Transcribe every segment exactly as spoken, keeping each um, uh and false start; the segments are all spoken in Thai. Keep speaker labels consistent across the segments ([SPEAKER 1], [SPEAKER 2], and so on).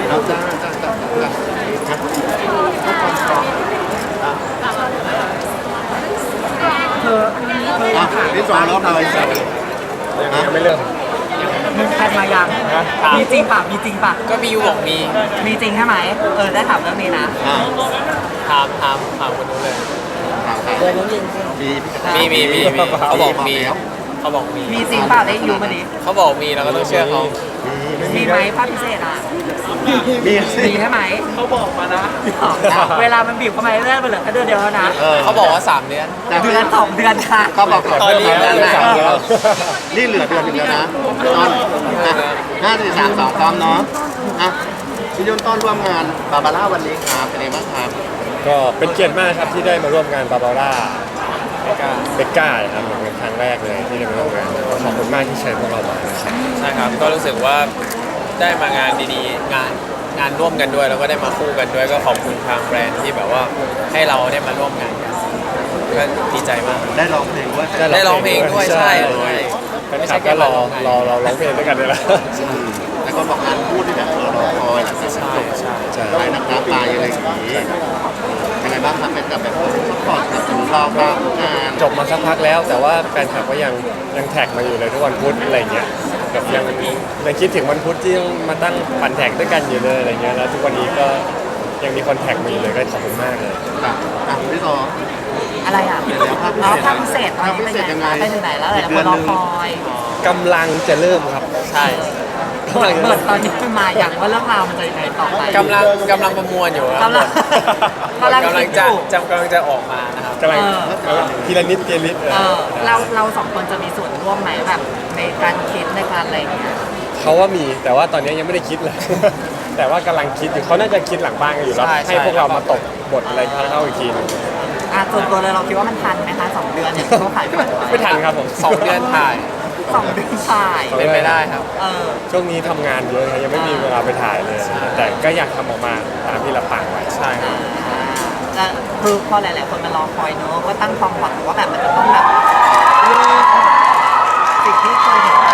[SPEAKER 1] เอาจ้าจ้าจ้าจ้าครับ
[SPEAKER 2] เธอเธอ
[SPEAKER 1] อ่ะที่สองรอบเลย
[SPEAKER 3] ยังไม่เริ่ม
[SPEAKER 2] มึงแพทมายัง
[SPEAKER 3] นะ
[SPEAKER 2] มีจริงป่ะมีจริงป่ะ
[SPEAKER 4] ก็พี่ยูบอกมี
[SPEAKER 2] มีจริงใช่ไหมเออได้ถามเรื่องนี้นะ
[SPEAKER 1] อ่า
[SPEAKER 4] ถามถามถามคนนู้นเลย
[SPEAKER 1] ถามครับมี
[SPEAKER 4] มีมีมีมีเขาบอกมีเขาบอกมี
[SPEAKER 2] มีจริงเปล่าได้ยูมาดิ
[SPEAKER 4] เขาบอกมีเราก็ต้องเชื่อเขา
[SPEAKER 2] มีไหมภาพพิเศษอ่ะ
[SPEAKER 1] มีสิ
[SPEAKER 2] มีใช่ไหมเขาบอกมานะเวลามันบีบเข้ามาเรื่อยๆไปเหลือแค่เดือนเดียวแล้วนะ
[SPEAKER 1] เออ
[SPEAKER 4] เขาบอกว่าสามเดือน
[SPEAKER 1] จาก
[SPEAKER 2] เดื
[SPEAKER 1] ที่
[SPEAKER 2] อนสองเดือนค่ะ
[SPEAKER 1] เขาบอกก่อน
[SPEAKER 4] ตอนนี้
[SPEAKER 1] เดือน
[SPEAKER 4] เดือน
[SPEAKER 1] สาม
[SPEAKER 4] สาม
[SPEAKER 1] เดือนนี่เหลือเดือนหนึงแล้วนะต้นห้าสี่สามสองพร้อมเนาะอ่ะพี่ยนต้นร่วมงานบาบาร่าวันนี้ครับเป็นไงบ้างครับ
[SPEAKER 3] ก็เป็นเกียรติมากครับที่ได้มาร่วมงานบาบาร่าเบกก้าเบกก้าครับเป็นครั้งแรกเลยที่ได้มาร่วมงานก็ขอบคุณมากที่เชิญพวกเรามานะครับ
[SPEAKER 4] ใช่ครับก็รู้สึกว่าได้มางานดีๆ งานงานร่วมกันด้วย แล้วก็ได้มาคู่กันด้วยก็ขอบคุณทางแบรนด์ที่แบบว่าให้เราได้มาร่วมงานกันก็ดีใจมาก
[SPEAKER 1] ได้ร้องเพลงด้วย
[SPEAKER 4] ได้ร้องเพลงด้วยใช่
[SPEAKER 3] ใช่แฟนคลับก็รอรอเราร้องเพลงด้วยกันเลยละ
[SPEAKER 1] แต่คนบอกงานพูดที่แบบเออรอคอยหลังจาก
[SPEAKER 4] ใช่
[SPEAKER 1] จบ
[SPEAKER 4] ใช่
[SPEAKER 3] ใช่
[SPEAKER 1] ไปนักน้ำตายอะไรอย่างนี้ยังไงบ้างครับเป็นกับแบบซัพพอร์ตกับถึงเราบ้างงาน
[SPEAKER 3] จบมาสักพักแล้ว แต่ว่าแฟนคลับก็ยังยังแท็กมาอยู่เลยทุกวันพุธอะไรเงี้ยแบบยังยังคิดถึงวันพุธที่ต้องมาตั้งปั่นแท็กด้วยกันอยู่เลยอะไรเงี้ยแล้วทุกวันนี้ก็ยังมีคนแท็กมาอยู่เลยก็ขอบคุณมากเลย
[SPEAKER 1] อ่ะอ่ะพี่ต่อ
[SPEAKER 2] อะไรอ่ะ
[SPEAKER 1] เดี๋ยวแล้วภาพพิ
[SPEAKER 2] อ๋อ
[SPEAKER 1] เศษ
[SPEAKER 2] ภาพพิเศษตอนนี้
[SPEAKER 1] ภาพพิเศษยังไง
[SPEAKER 2] ไปถึงไหนแล้วหลาย
[SPEAKER 1] อีก
[SPEAKER 2] คนรอ
[SPEAKER 1] เดือนหนึ่ง
[SPEAKER 2] คอย
[SPEAKER 3] กำลังจะเริ่มครับ
[SPEAKER 4] ใช่
[SPEAKER 2] เปิดเปิดตอนนี้ขึ้นมาอย่างว่าเรื่องราวมันจะยังไงต่อไป
[SPEAKER 4] กำลังกำลังประมวลอยู่ครับ
[SPEAKER 2] กำลังกำลัง
[SPEAKER 4] กำลั
[SPEAKER 2] คิ
[SPEAKER 4] ง
[SPEAKER 2] ดอ
[SPEAKER 4] จะ
[SPEAKER 2] ยู่
[SPEAKER 4] จะกำลังจะออกมานะครับ
[SPEAKER 3] กำลัง
[SPEAKER 2] เออ
[SPEAKER 3] กำลังทีละนิดทีละนิดเออ
[SPEAKER 2] เออเราเราสองคนจะมีส่วนร่วมไหมแบบในการคิดในการอะไรอย่างเงี้ย
[SPEAKER 3] เขาว่ามีแต่ว่าตอนนี้ยังไม่ได้คิดเลย แต่ว่ากำลังคิดอยู่เขาน่าจะคิดหลังบ้านกันอยู่แล้ว
[SPEAKER 4] ใช่ใช่
[SPEAKER 3] ให้พวกเรามาตบบทอะไรเข้าอีกทีหนึง
[SPEAKER 2] อ่ะส่วนตัวเลยเราคิดว่ามันทันไหมคะสองเดือนเนี่ยที่เขาขายผ่านไว้
[SPEAKER 3] ไม่ทันครับผม
[SPEAKER 4] สองเดือนถ่าย
[SPEAKER 2] สองเดือนถ่าย
[SPEAKER 4] เป็นไปได้ครับ
[SPEAKER 2] เออ
[SPEAKER 3] ช่วงนี้ทำงานเยอะครับยังไม่มีเวลาไปถ่ายเลย
[SPEAKER 4] ใช่
[SPEAKER 3] แต่ก็อยากทำออกมาตามที่เราต่างไว้
[SPEAKER 4] ใช่ครับ
[SPEAKER 2] อ่าจะคือพอหลาย ๆ คนมารอคอยเนอะว่าตั้งความหวังว่าแบบมันจะต้องแบบเลิกสิ่งที่เคยเห็น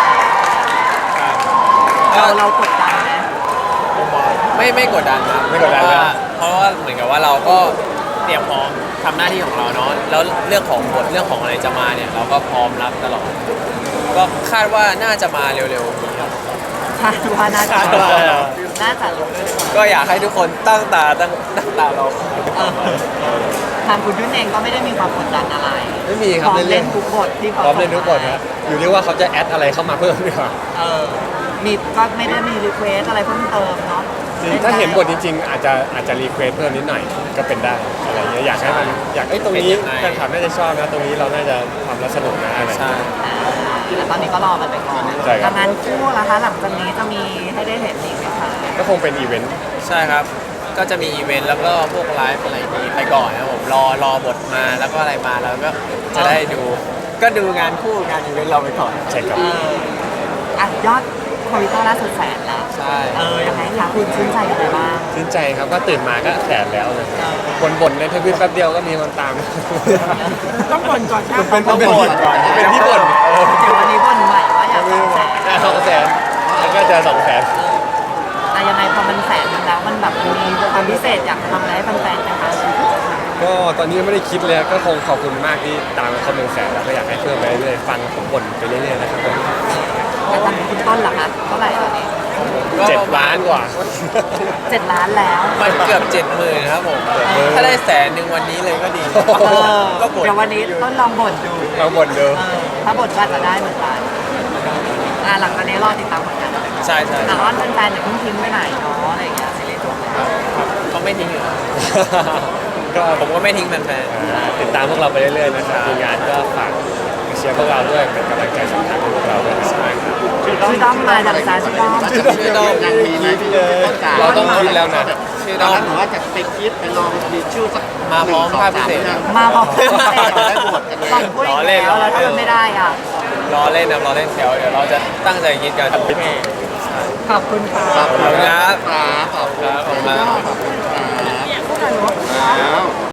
[SPEAKER 2] เราเรากดดันไหม
[SPEAKER 4] ไม่ไม่กดดันครับ
[SPEAKER 3] ไม่กดดัน
[SPEAKER 4] เพราะ
[SPEAKER 3] นะ
[SPEAKER 4] ว่าเพราะว่าเหมือนกับว่าเราก็เตรียมพร้อมทำหน้าที่ของเราเนาะแล้วเรื่องของบทเรื่องของอะไรจะมาเนี่ยเราก็พร้อมรับตลอด ก็คาดว่าน่าจะมาเร็วๆนี้ครับ
[SPEAKER 2] คาดว่าน่าจะ
[SPEAKER 4] คาดว่า
[SPEAKER 2] น่าจะรู้
[SPEAKER 4] ก็อยากให้ทุกคนตั้งตาตั้งตั้งตารอ
[SPEAKER 2] เออทางคุณยุ่นเองก็ไม่ได้มีความกดดันอะไร
[SPEAKER 3] ไม่มีค
[SPEAKER 2] พ
[SPEAKER 3] รับ
[SPEAKER 2] ร้อม
[SPEAKER 3] เล่
[SPEAKER 2] เล่
[SPEAKER 3] น
[SPEAKER 2] นทุกบทที่
[SPEAKER 3] ๆ
[SPEAKER 2] เขา
[SPEAKER 3] พร้อมเล่นทุกบทครับอยู่ที่ว่าเขาจะแอดอะไรเข้ามาเพิ่มดีกว่า
[SPEAKER 2] เออมีก็ไม่ได้มีรีเควสอะไรเพิ่มเติมเนาะ
[SPEAKER 3] ถ้าเห็นบทจริงๆ อาจจะอาจจะรีเควสเพิ่มนิดหน่อยก็เป็นได้อะไรเงี้ยอยากให้มันอยากไอ้ยตรงนี้แฟนคลับน่าจะชอบนะตรงนี้เราน่าจะทำแล้วสนุกนะอะไร
[SPEAKER 4] ใช่
[SPEAKER 2] อ่าแต่ตอนนี้ก็รอมันไปก่อน
[SPEAKER 3] ใช่ครับ
[SPEAKER 2] แล้วงานคู่ล่ะคะหลังจากนี้จะมีให้ได้เห็นอีกไหมคะ
[SPEAKER 3] ก็คงเป็นอีเวนต์
[SPEAKER 4] ใช่ครับ ก็จะมีอีเวนต์แล้วก็พวกไลฟ์อะไรนี้ไปก่อนนะครับผมรอรอบทมาแล้วก็อะไรมาแล้วก็จะได้ดู ก็ดูงานคู่งานอีเวนต์เราไปก่อน
[SPEAKER 3] ใช่ครับ
[SPEAKER 2] เอออ่ะยอดคอมพิวเตอร์ล่าสุดแสนแล้ว
[SPEAKER 4] ใช่
[SPEAKER 2] เออยังไงคะคุณชื่นใจยังไงบ้าง
[SPEAKER 3] ชื่นใจครับก็ตื่นมาก็แสนแล้วเลย
[SPEAKER 2] เออ
[SPEAKER 3] บนบนในทวิตแป๊บเดียวก็มีคนตาม
[SPEAKER 2] ต้องบ่นก่อนใช่ไหม
[SPEAKER 3] เป็นเป็นเป็นเป็นที่บ่นเออ
[SPEAKER 2] เดี๋ยววันนี้บ่นใหม่ว่าอยากสองแสน
[SPEAKER 3] ได้สองแสนแล้วก็จะสองแสน
[SPEAKER 2] แต่ยังไงพอมันแสนหนึงแล้วมันแบบมีความพิเศษอยากทำอะไรให้แฟนๆนะคะ
[SPEAKER 3] ก็ตอนนี้ยังไม่ได้คิดเลยก็คงขอบคุณมากที่ตามเขาเป็นแสนแล้วก็อยากให้เพิ่มไปเรื่อยๆฟังผมบ่นไปเรื่อยๆนะครับผม
[SPEAKER 2] แต่ตอนนี้คุณต้นล่ะคะเท่าไหร่ตอนนี้
[SPEAKER 4] ก็
[SPEAKER 3] เจ็ด
[SPEAKER 4] ประม
[SPEAKER 3] ล้า
[SPEAKER 4] ณ
[SPEAKER 3] นกว่า
[SPEAKER 2] เจ็ดล้านแล้ว
[SPEAKER 4] มันเกือบเจ็ดหมื่นครับผม
[SPEAKER 3] เออ
[SPEAKER 4] ถ้าได้แสนหนึ่งวันนี้เลยก็ดี
[SPEAKER 2] เออ
[SPEAKER 4] ก็กด
[SPEAKER 2] เดี๋ยววันนี้ต้นลองบ่นดู
[SPEAKER 3] เราบ่นดู
[SPEAKER 2] เออถ้าบ่นก็อาจจะได้เหมือนกันอ่าหลังจากนี้รอติดตามผลงานต่อไป
[SPEAKER 4] ใช่ใช่
[SPEAKER 2] แต่ว่าแฟนๆอย่าเพิ่งทิ้งไปไหนเนาะอะไรอย่างเงี้ยซีรีส์จบแล้ว
[SPEAKER 4] เขาไม่ทิ้งอยู่แล้ว
[SPEAKER 3] ก็
[SPEAKER 4] ผมก็ไม่ทิ้งแฟน
[SPEAKER 3] อ่าติดตามพวกเราไปเรื่อยๆนะครับมีงานก็ฝากเชียร์พวกเราด้วยเป็นกำลังใจสำคัญให้พวกเราด้วยนะครับ
[SPEAKER 2] ชื่อด้อมมาจากจานชื่อด้อม
[SPEAKER 4] ชื่อดอม
[SPEAKER 1] ยังมีไหมพี่ต้นจ๋า
[SPEAKER 3] เราต้องคิดแล้วนะ
[SPEAKER 4] ชื่อ
[SPEAKER 1] ต
[SPEAKER 4] ด
[SPEAKER 1] อน
[SPEAKER 4] อม
[SPEAKER 1] นั้นหนูว่าจะไปคิดไปลองมีชื่อสัก
[SPEAKER 4] มาพร้อม
[SPEAKER 1] หนึ่งสง
[SPEAKER 4] ภาพพิเศษ
[SPEAKER 1] สาม
[SPEAKER 2] มาบอกพิเศษ
[SPEAKER 1] ได้บทกันเลย
[SPEAKER 2] ต้องพูดอีกแล้วแล้วถ้าไม่ได้อ่ะ
[SPEAKER 4] รอเล่นนะรอเล่นแถวเดี๋ยวเราจะตั้งใจคิดกัน
[SPEAKER 2] ขอบคุณค่ะ
[SPEAKER 1] ขอบคุณ
[SPEAKER 4] ครับ
[SPEAKER 1] ครับขอบคุณ
[SPEAKER 4] ครับขอบคุณมาก
[SPEAKER 1] ขอบคุณครับ
[SPEAKER 2] พูดกันเนาะ
[SPEAKER 1] แล้ว